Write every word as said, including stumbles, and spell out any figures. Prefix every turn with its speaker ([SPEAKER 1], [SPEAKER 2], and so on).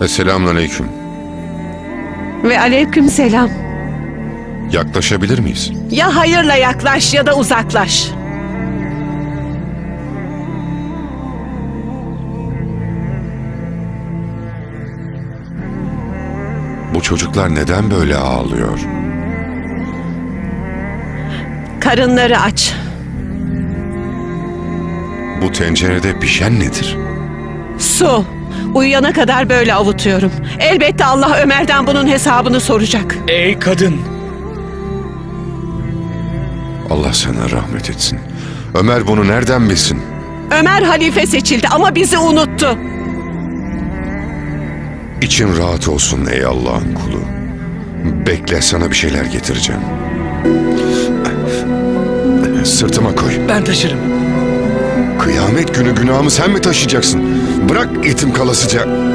[SPEAKER 1] Selamünaleyküm.
[SPEAKER 2] Ve aleyküm selam.
[SPEAKER 1] Yaklaşabilir miyiz?
[SPEAKER 2] Ya hayırla yaklaş ya da uzaklaş.
[SPEAKER 1] Bu çocuklar neden böyle ağlıyor?
[SPEAKER 2] Karınları aç.
[SPEAKER 1] Bu tencerede pişen nedir?
[SPEAKER 2] Su. Uyuyana kadar böyle avutuyorum. Elbette Allah Ömer'den bunun hesabını soracak.
[SPEAKER 3] Ey kadın!
[SPEAKER 1] Allah sana rahmet etsin. Ömer bunu nereden bilsin?
[SPEAKER 2] Ömer halife seçildi ama bizi unuttu.
[SPEAKER 1] İçin rahat olsun ey Allah'ın kulu. Bekle, sana bir şeyler getireceğim. Sırtıma koy.
[SPEAKER 3] Ben taşırım.
[SPEAKER 1] Kıyamet günü günahımı sen mi taşıyacaksın? Bırak etim kalasıca.